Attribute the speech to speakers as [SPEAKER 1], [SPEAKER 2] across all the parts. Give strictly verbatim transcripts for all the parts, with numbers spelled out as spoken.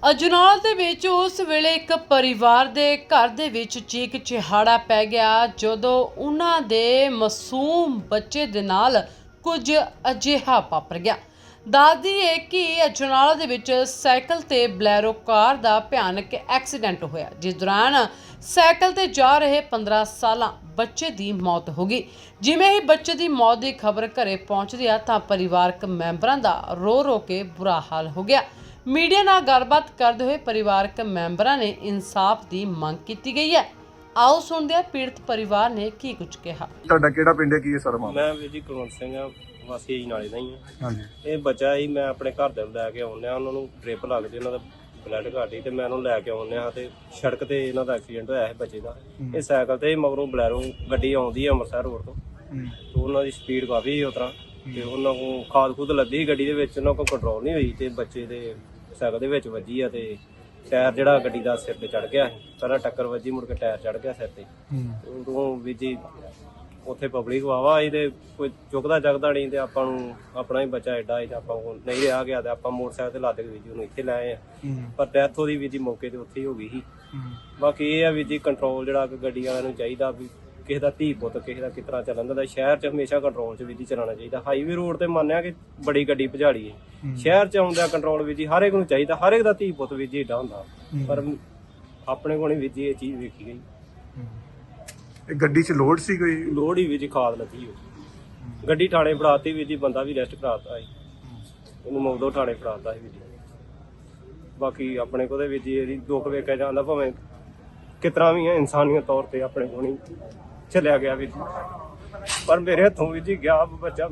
[SPEAKER 1] ਅਜਨਾਲ ਦੇ ਵਿੱਚ ਉਸ ਵੇਲੇ ਇੱਕ ਪਰਿਵਾਰ ਦੇ ਘਰ ਦੇ ਵਿੱਚ ਚੀਕ ਚਿਹਾੜਾ ਪੈ ਗਿਆ ਜਦੋਂ ਉਹਨਾਂ ਦੇ ਮਾਸੂਮ ਬੱਚੇ ਦੇ ਨਾਲ ਕੁਝ ਅਜਿਹਾ ਵਾਪਰ ਗਿਆ। ਦੱਸਦੀ ਹੈ ਕਿ ਅਜਨਾਲ ਦੇ ਵਿੱਚ ਸਾਈਕਲ ਤੇ ਬਲੈਰੋ ਕਾਰ ਦਾ ਭਿਆਨਕ ਐਕਸੀਡੈਂਟ ਹੋਇਆ, ਜਿਸ ਦੌਰਾਨ ਸਾਈਕਲ ਤੇ ਜਾ ਰਹੇ ਪੰਦਰਾਂ ਸਾਲਾਂ ਬੱਚੇ ਦੀ ਮੌਤ ਹੋ ਗਈ। ਜਿਵੇਂ ਹੀ ਬੱਚੇ ਦੀ ਮੌਤ ਦੀ ਖਬਰ ਘਰੇ ਪਹੁੰਚਦੀ ਆ ਤਾਂ ਪਰਿਵਾਰਕ ਮੈਂਬਰਾਂ ਦਾ ਰੋ ਰੋ ਕੇ ਬੁਰਾ ਹਾਲ ਹੋ ਗਿਆ। मीडिया नाल गलबात करते हुए परिवारक मैंबरां ने इंसाफ की मंग की गई है। आओ सुनते हैं पीड़ित परिवार ने की कुछ कहा।
[SPEAKER 2] ਤੁਹਾਡਾ ਕਿਹੜਾ ਪਿੰਡ ਹੈ, ਕੀ ਹੈ ਸਾਰਾ ਮਾਮਲਾ?
[SPEAKER 3] ਮੈਂ ਵੀਰ ਜੀ ਕੁਲਵੰਤ ਸਿੰਘ ਆ, ਵਾਸੀ ਜੀ ਨਾਲੇ ਦਾ ਹੀ ਆ।
[SPEAKER 2] ਹਾਂਜੀ।
[SPEAKER 3] ਇਹ ਬੱਚਾ ਹੀ ਮੈਂ ਆਪਣੇ ਘਰ ਦੇ ਲੈ ਕੇ ਆਉਂਦਾ, ਉਹਨਾਂ ਨੂੰ ਡ੍ਰਿਪ ਲੱਗਦੀ, ਉਹਨਾਂ ਦਾ ਬਲੱਡ ਘੱਟ ਸੀ ਤੇ ਮੈਂ ਉਹਨੂੰ ਲੈ ਕੇ ਆਉਂਦਾ ਤੇ ਸੜਕ ਤੇ ਇਹਨਾਂ ਦਾ ਐਕਸੀਡੈਂਟ ਹੋਇਆ ਹੈ ਬੱਚੇ ਦਾ। ਇਹ ਸਾਈਕਲ ਤੇ ਮਗਰੋਂ ਬਲੈਰੋ ਗੱਡੀ ਆਉਂਦੀ ਹੈ ਅੰਮ੍ਰਿਤਸਰ ਰੋਡ ਤੋਂ, ਤੇ ਉਹਨਾਂ ਦੀ ਸਪੀਡ ਕਾਫੀ ਉਸ ਤਰ੍ਹਾਂ ਤੇ ਉਹਨਾਂ ਕੋਲ ਖਾਦ ਖੁਦ ਲੱਦੀ ਗੱਡੀ ਦੇ ਵਿੱਚ, ਉਹਨਾਂ ਕੋਲ ਕੰਟਰੋਲ ਨਹੀਂ ਹੋਈ ਤੇ ਬੱਚੇ ਦੇ ਸਾਈਕਲ ਦੇ ਵਿੱਚ ਵੱਜੀ ਆ ਤੇ ਟਾਇਰ ਜਿਹੜਾ ਗੱਡੀ ਦਾ ਸਿਰ ਤੇ ਚੜ ਗਿਆ। ਪਹਿਲਾਂ ਟੱਕਰ ਵੱਜੀ, ਮੁੜ ਕੇ ਟਾਇਰ ਚੜ ਗਿਆ ਸਿਰ ਤੇ। ਉਦੋਂ ਵੀ ਜੀ ਉੱਥੇ ਪਬਲਿਕ ਵਾਵਾ ਆਈ ਤੇ ਕੋਈ ਚੁੱਕਦਾ ਚੱਕਦਾ ਨਹੀਂ ਤੇ ਆਪਾਂ ਨੂੰ ਆਪਣਾ ਹੀ ਬੱਚਾ ਐਡਾ ਹੈ ਤੇ ਆਪਾਂ ਕੋਲ ਨਹੀਂ ਰਿਹਾ ਗਿਆ ਤੇ ਆਪਾਂ ਮੋਟਰਸਾਈਕਲ ਤੇ ਲੱਦ ਕੇ ਵੀ ਜੀ ਉਹਨੂੰ ਇੱਥੇ ਲੈ ਆਏ ਆ। ਪਰ ਡੈਥ ਉਹਦੀ ਵੀ ਜੀ ਮੌਕੇ ਤੇ ਉੱਥੇ ਹੀ ਹੋ ਗਈ ਸੀ। ਬਾਕੀ ਇਹ ਆ ਵੀ ਜੀ ਕੰਟਰੋਲ ਜਿਹੜਾ ਕਿ ਗੱਡੀ ਵਾਲਿਆਂ ਨੂੰ ਚਾਹੀਦਾ ਵੀ ਕਿਸੇ ਦਾ ਧੀ ਪੁੱਤ ਕਿਸੇ ਦਾ ਕਿਸ ਤਰ੍ਹਾਂ ਚੱਲਣ ਦਾ, ਸ਼ਹਿਰ 'ਚ ਹਮੇਸ਼ਾ ਕੰਟਰੋਲ 'ਚ ਵੀ ਜੀ ਚਲਾਉਣਾ ਚਾਹੀਦਾ। ਹਾਈਵੇ ਰੋਡ ਤੇ ਮੰਨਿਆ ਕਿ ਬੜੀ ਗੱਡੀ ਭਜਾੜੀ ਹੈ, ਸ਼ਹਿਰ 'ਚ ਆਉਂਦਾ ਕੰਟਰੋਲ ਵੀ ਜੀ ਹਰ ਇੱਕ ਨੂੰ ਚਾਹੀਦਾ, ਹਰ ਇੱਕ ਦਾ ਧੀ ਪੁੱਤ ਵੀ ਜੀ ਏਡਾ ਹੁੰਦਾ, ਪਰ ਆਪਣੇ ਕੋਲ ਨਹੀਂ ਵੀ ਜੀ ਇਹ ਚੀਜ਼ ਵੇਖੀ ਗਈ।
[SPEAKER 2] ਇਹ ਗੱਡੀ 'ਚ ਲੋਡ ਸੀ ਕੋਈ?
[SPEAKER 3] ਲੋੜ ਹੀ ਵੀ ਜੀ ਖਾਦ ਲੱਗੀ ਹੋ ਗੱਡੀ ਥਾਣੇ ਫੜਾਤੀ ਵੀ ਜੀ, ਬੰਦਾ ਵੀ ਰੈਸਟ ਕਰਾਤਾ ਸੀ, ਉਹਨੂੰ ਮੌਦੋਂ ਥਾਣੇ ਫੜਾਤਾ ਸੀ ਵੀ ਜੀ। ਬਾਕੀ ਆਪਣੇ ਕੋਲ ਵੀ ਜੀ ਇਹਦੀ ਦੁੱਖ ਵੇਖਿਆ ਜਾਂਦਾ, ਭਾਵੇਂ ਕਿਸ ਤਰ੍ਹਾਂ ਵੀ ਹੈ ਇਨਸਾਨੀਅਤ ਤੌਰ ਤੇ ਆਪਣੇ ਕੋਲ ਨਹੀਂ ਚਲਿਆ ਗਿਆ ਵੀ ਜੀ, ਪਰ ਮੇਰੇ ਹੱਥੋਂ ਵੀ ਜੀ ਗਿਆ ਬੱਚਾ।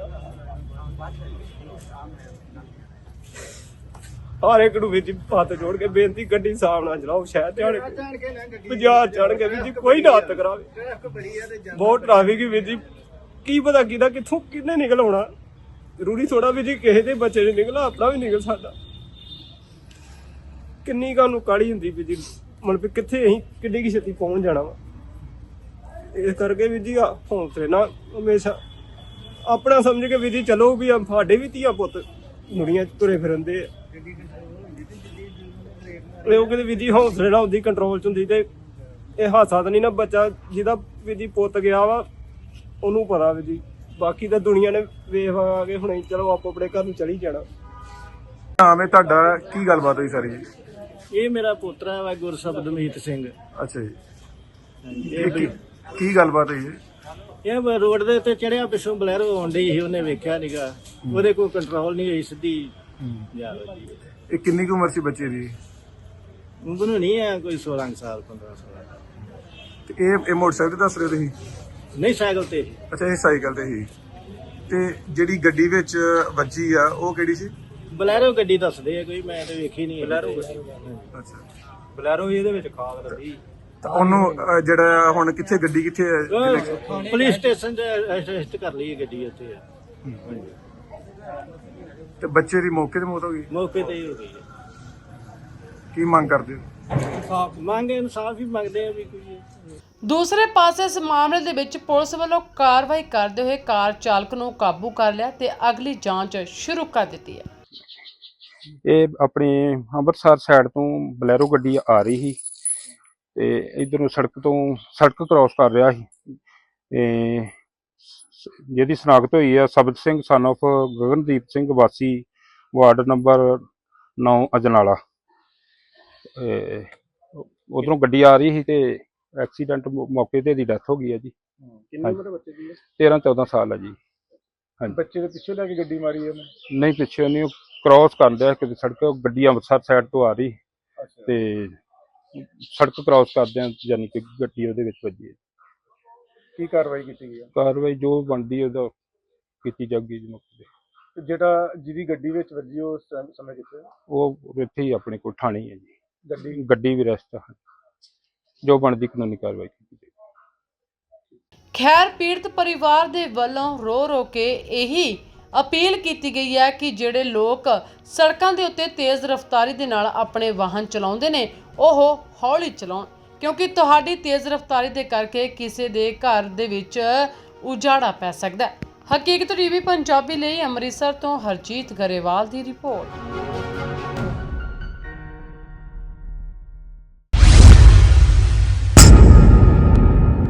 [SPEAKER 3] ਹਰ ਇੱਕ ਨੂੰ ਵੀ ਜੀ ਹੱਥ ਜੋੜ ਕੇ ਬੇਨਤੀ, ਗੱਡੀ ਸਾਹਮਣੇ ਨਾ ਚਲਾਓ, ਸ਼ਹਿਰ ਤੇ ਆਣ ਕੇ ਬਾਜ਼ਾਰ ਚੜ ਕੇ ਵੀ ਜੀ ਕੋਈ ਨਾ ਹੱਥ ਕਰਾਵੇ। ਬਹੁਤ ਟ੍ਰੈਫਿਕ ਵੀ ਜੀ, ਕੀ ਪਤਾ ਕਿਹਦਾ ਕਿੱਥੋਂ ਕਿੰਨੇ ਨਿਕਲ ਆਉਣਾ, ਜ਼ਰੂਰੀ ਥੋੜਾ ਵੀ ਜੀ ਕਿਸੇ ਦੇ ਬੱਚੇ ਨੇ ਨਿਕਲਾ, ਆਪਣਾ ਵੀ ਨਿਕਲ ਸਕਦਾ। ਕਿੰਨੀ ਕਾਨੂੰ ਕਾਹਲੀ ਹੁੰਦੀ ਵੀ ਜੀ, ਮਤਲਬ ਕਿੱਥੇ ਅਸੀਂ ਕਿੱਡੀ ਕੀ ਛੇਤੀ ਪਹੁੰਚ ਜਾਣਾ ਵਾ। ਇਸ ਕਰਕੇ ਵੀ ਜੀ ਹੌਸਲੇ ਨਾਲ ਹਮੇਸ਼ਾ ਆਪਣਾ ਸਮਝ ਕੇ ਵੀ ਜੀ ਚਲੋ, ਵੀ ਸਾਡੇ ਵੀ ਧੀਆ ਪੁੱਤ ਦੁਨੀਆਂ 'ਚ ਤੁਰੇ ਫਿਰਦੇ ਆ। ਉਹ ਕਿਤੇ ਵੀ ਜੀ ਹੌਸਲੇ ਨਾਲ ਹੁੰਦੀ, ਕੰਟਰੋਲ 'ਚ ਹੁੰਦੀ ਤੇ ਇਹ ਹਾਦਸਾ ਤਾਂ ਨਹੀਂ ਨਾ। ਬੱਚਾ ਜਿਹਦਾ ਵੀ ਜੀ ਪੁੱਤ ਗਿਆ ਵਾ ਉਹਨੂੰ ਪਤਾ ਵੀ ਜੀ, ਬਾਕੀ ਤਾਂ ਦੁਨੀਆ ਨੇ ਵੇਖ ਆ ਕੇ ਹੁਣੇ ਚਲੋ ਆਪੋ ਆਪਣੇ ਘਰ ਨੂੰ ਚਲੀ ਜਾਣਾ।
[SPEAKER 2] ਨਾਮ ਹੈ ਤੁਹਾਡਾ, ਕੀ ਗੱਲਬਾਤ ਹੋਈ ਸਾਰੀ ਜੀ?
[SPEAKER 4] ਇਹ ਮੇਰਾ ਪੋਤਰਾ ਵਾ ਗੁਰਸ਼ਬਦਮੀਤ ਸਿੰਘ।
[SPEAKER 2] ਅੱਛਾ ਜੀ, ਇਹ ਕੀ ਕੀ ਗੱਲਬਾਤ ਹੋਈ ਹੈ?
[SPEAKER 4] ਇਹ ਰੋਡ ਦੇ ਉੱਤੇ ਚੜਿਆ, ਪਿੱਛੋਂ ਬਲੈਰੋ ਆਉਣ ਡਈ ਸੀ, ਉਹਨੇ ਵੇਖਿਆ ਨੀਗਾ, ਉਹਦੇ ਕੋਲ ਕੰਟਰੋਲ ਨਹੀਂ ਹੋਈ, ਸਿੱਧੀ ਜਾ ਵੱਜੀ।
[SPEAKER 2] ਇਹ ਕਿੰਨੀ ਕੁ ਉਮਰ ਸੀ ਬੱਚੇ ਦੀ?
[SPEAKER 4] ਉਮਰ ਨਹੀਂ ਹੈ ਕੋਈ ਸੋਲਾਂ ਸਾਲ ਪੰਦਰਾਂ ਸਾਲ।
[SPEAKER 2] ਤੇ ਇਹ ਇਹ ਮੋਟਰਸਾਈਕਲ ਤੇ ਦੱਸ ਰਹੇ ਤੁਸੀਂ?
[SPEAKER 4] ਨਹੀਂ, ਸਾਈਕਲ ਤੇ।
[SPEAKER 2] ਅੱਛਾ, ਇਹ ਸਾਈਕਲ ਤੇ ਸੀ। ਤੇ ਜਿਹੜੀ ਗੱਡੀ ਵਿੱਚ ਵੱਜੀ ਆ ਉਹ ਕਿਹੜੀ ਸੀ?
[SPEAKER 4] ਬਲੈਰੋ ਗੱਡੀ ਦੱਸਦੇ ਆ ਕੋਈ, ਮੈਂ ਤੇ ਵੇਖੀ ਨਹੀਂ।
[SPEAKER 3] ਬਲੈਰੋ
[SPEAKER 2] ਅੱਛਾ,
[SPEAKER 3] ਬਲੈਰੋ ਇਹਦੇ ਵਿੱਚ ਖਾਦ ਲੱਗੀ।
[SPEAKER 2] ਤਾਂ ਉਹਨੂੰ ਅਹ, ਜਿਹੜਾ ਹੁਣ ਕਿੱਥੇ ਗੱਡੀ ਕਿੱਥੇ ਹੈ?
[SPEAKER 4] ਉਹ ਪੁਲਿਸ ਸਟੇਸ਼ਨ 'ਚ ਅਰੈਸਟ ਕਰ ਲਈ ਗੱਡੀ ਉੱਥੇ।
[SPEAKER 2] ਤੇ ਬੱਚੇ ਦੀ ਮੌਕੇ ਤੇ ਮੌਤ ਹੋ ਗਈ?
[SPEAKER 4] ਮੌਕੇ ਤੇ ਹੀ ਹੋ ਗਈ।
[SPEAKER 2] ਕੀ ਮੰਗ ਕਰਦੇ ਹੋ?
[SPEAKER 4] ਮੰਗ ਇਨਸਾਫ ਹੀ ਮੰਗਦੇ ਆ ਵੀ ਕੋਈ।
[SPEAKER 1] ਦੂਸਰੇ ਪਾਸੇ ਇਸ ਮਾਮਲੇ ਦੇ ਵਿੱਚ ਪੁਲਿਸ ਵੱਲੋਂ ਕਾਰਵਾਈ ਕਰਦੇ ਹੋਏ ਕਾਰ ਚਾਲਕ ਨੂੰ ਕਾਬੂ ਕਰ ਲਿਆ ਤੇ ਅਗਲੀ ਜਾਂਚ ਸ਼ੁਰੂ ਕਰ ਦਿੱਤੀ ਹੈ।
[SPEAKER 5] ਇਹ ਆਪਣੇ ਅੰਮ੍ਰਿਤਸਰ ਸਾਈਡ ਤੋਂ ਬਲੈਰੋ ਗੱਡੀ ਆ ਰਹੀ ਸੀ ਤੇ ਇਧਰੋਂ ਸੜਕ ਤੋਂ ਸੜਕ ਕ੍ਰਾਸ ਕਰ ਰਿਹਾ ਸੀ ਤੇ ਜਿਹਦੀ ਸ਼ਨਾਖਤ ਹੋਈ ਆ ਸਬਤ ਸਿੰਘ ਸਨ ਆਫ ਗਗਨਦੀਪ ਸਿੰਘ ਵਾਸੀ ਵਾਰਡ ਨੰਬਰ ਨੌ ਅਜਨਾਲਾ। ਉਧਰੋਂ ਗੱਡੀ ਆ ਰਹੀ ਸੀ ਤੇ ਐਕਸੀਡੈਂਟ ਮੌਕੇ ਤੇ ਦੀ ਡੈਥ ਹੋ ਗਈ ਹੈ ਜੀ।
[SPEAKER 2] ਕਿੰਨੀ ਉਮਰ ਬੱਚੇ ਦੀ ਹੈ?
[SPEAKER 5] ਤੇਰਾਂ ਚੌਦਾਂ ਸਾਲ ਹੈ ਜੀ। ਹਾਂਜੀ।
[SPEAKER 2] ਬੱਚੇ ਦੇ ਪਿੱਛੇ ਲੈ ਕੇ ਗੱਡੀ ਮਾਰੀ ਹੈ?
[SPEAKER 5] ਨਹੀਂ, ਪਿੱਛੇ ਨਹੀਂ, ਕ੍ਰਾਸ ਕਰਦਾ ਕਿਤੇ ਸੜਕ, ਗੱਡੀ ਅੰਮ੍ਰਿਤਸਰ ਸਾਈਡ ਤੋਂ ਆ ਰਹੀ ਤੇ ਸੜਕ ਕ੍ਰਾਸ ਕਰਦਿਆਂ ਯਾਨੀ ਕਿ ਗੱਡੀ ਉਹਦੇ ਵਿੱਚ ਵੱਜੀ ਹੈ।
[SPEAKER 2] ਕੀ ਕਾਰਵਾਈ ਕੀਤੀ ਗਈ?
[SPEAKER 5] ਕਾਰਵਾਈ ਜੋ ਬਣਦੀ ਉਹਦਾ ਕੀਤੀ ਜਾਊਗੀ ਜੀ ਮੌਕੇ ਤੇ।
[SPEAKER 2] ਜਿਹੜਾ ਜਿਹਦੀ ਗੱਡੀ ਵਿੱਚ ਵੱਜੀ ਉਹ ਸਮੇਂ ਕਿੱਥੇ?
[SPEAKER 5] ਉਹ ਇੱਥੇ ਹੀ ਆਪਣੇ ਕੋਲ ਥਾਣੇ ਹੈ ਜੀ।
[SPEAKER 2] ਗੱਡੀ
[SPEAKER 5] ਗੱਡੀ ਵੀ ਰੈਸਟ ਹੈ, ਜੋ ਬਣਦੀ ਕਾਨੂੰਨੀ ਕਾਰਵਾਈ ਕੀਤੀ ਜਾਏਗੀ।
[SPEAKER 1] ਖੈਰ, ਪੀੜਤ ਪਰਿਵਾਰ ਦੇ ਵੱਲੋਂ ਰੋ ਰੋ ਕੇ ਇਹੀ अपील की गई है कि ਜਿਹੜੇ ਲੋਕ ਸੜਕਾਂ ਦੇ ਉੱਤੇ ਤੇਜ਼ ਰਫ਼ਤਾਰੀ ਦੇ ਨਾਲ ਆਪਣੇ ਵਾਹਨ ਚਲਾਉਂਦੇ ਨੇ ਉਹ ਹੌਲੀ ਚਲਾਉਣ, ਕਿਉਂਕਿ ਤੁਹਾਡੀ ਤੇਜ਼ ਰਫ਼ਤਾਰੀ ਦੇ ਕਰਕੇ ਕਿਸੇ ਦੇ ਘਰ ਦੇ ਵਿੱਚ ਉਜਾੜਾ ਪੈ ਸਕਦਾ ਹੈ। ਹਕੀਕਤ ਟੀਵੀ ਪੰਜਾਬੀ ਲਈ ਅੰਮ੍ਰਿਤਸਰ ਤੋਂ ਹਰਜੀਤ ਗਰੇਵਾਲ ਦੀ ਰਿਪੋਰਟ।